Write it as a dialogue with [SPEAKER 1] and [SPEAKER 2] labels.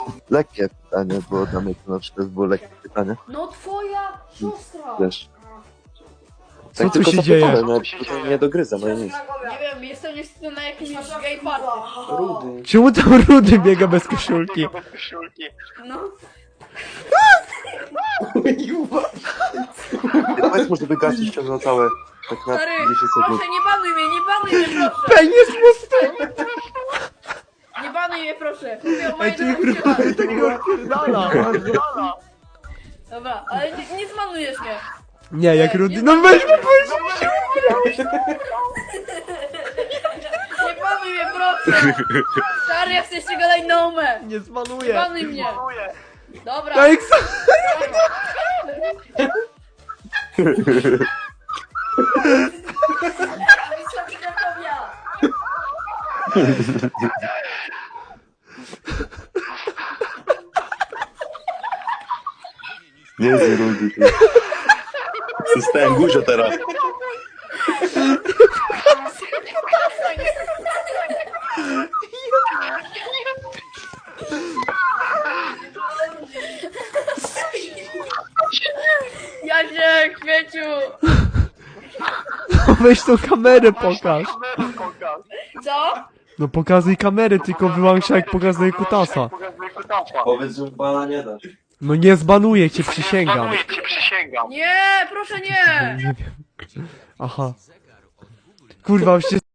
[SPEAKER 1] lekkie pytanie, bo dla mnie to na przykład było lekkie pytanie.
[SPEAKER 2] No twoja siostra!
[SPEAKER 1] Wiesz.
[SPEAKER 3] Co
[SPEAKER 1] Tak
[SPEAKER 3] tu
[SPEAKER 1] tylko
[SPEAKER 3] się dzieje?
[SPEAKER 1] zapytałem, nawet tutaj nie dogryza, no i nic.
[SPEAKER 2] Nie wiem, jestem niestety na jakimś gay party.
[SPEAKER 4] Rudy.
[SPEAKER 3] Czemu tam Rudy biega bez koszulki?
[SPEAKER 2] No.
[SPEAKER 1] Powiedz mu, żeby gasić ciągle całe, tak na
[SPEAKER 2] Stary,
[SPEAKER 1] 10 sekund.
[SPEAKER 2] proszę, nie banuj mnie, proszę!
[SPEAKER 3] Penis pusty!
[SPEAKER 2] Nie banuj mnie, proszę! Mówię o
[SPEAKER 3] Ej,
[SPEAKER 2] mojej
[SPEAKER 3] ty
[SPEAKER 2] drogości
[SPEAKER 3] kurwa,
[SPEAKER 2] lat.
[SPEAKER 3] takiego odpierdala!
[SPEAKER 2] Dobra, ale nie zmanujesz mnie.
[SPEAKER 3] Nie, jak Rudy... No weź mu powiedz!
[SPEAKER 2] Nie banuj mnie, proszę! Stary, ja chcę jeszcze gadać na umę!
[SPEAKER 3] Nie
[SPEAKER 2] Nie
[SPEAKER 3] zmanuję!
[SPEAKER 2] banuj mnie! Dobra.
[SPEAKER 3] No jak
[SPEAKER 1] Nie jest Rudy. Zostałem guzio teraz.
[SPEAKER 2] Jasiek, śmieciu!
[SPEAKER 3] No weź tą kamerę pokaż!
[SPEAKER 2] Co?
[SPEAKER 3] No pokazuj kamerę, tylko wyłącz jak pokazuje kutasa.
[SPEAKER 1] Powiedz, że bana nie dasz.
[SPEAKER 3] No nie zbanuję cię, przysięgam.
[SPEAKER 2] Nie, proszę nie!
[SPEAKER 3] Nie wiem. Aha. Kurwa, już się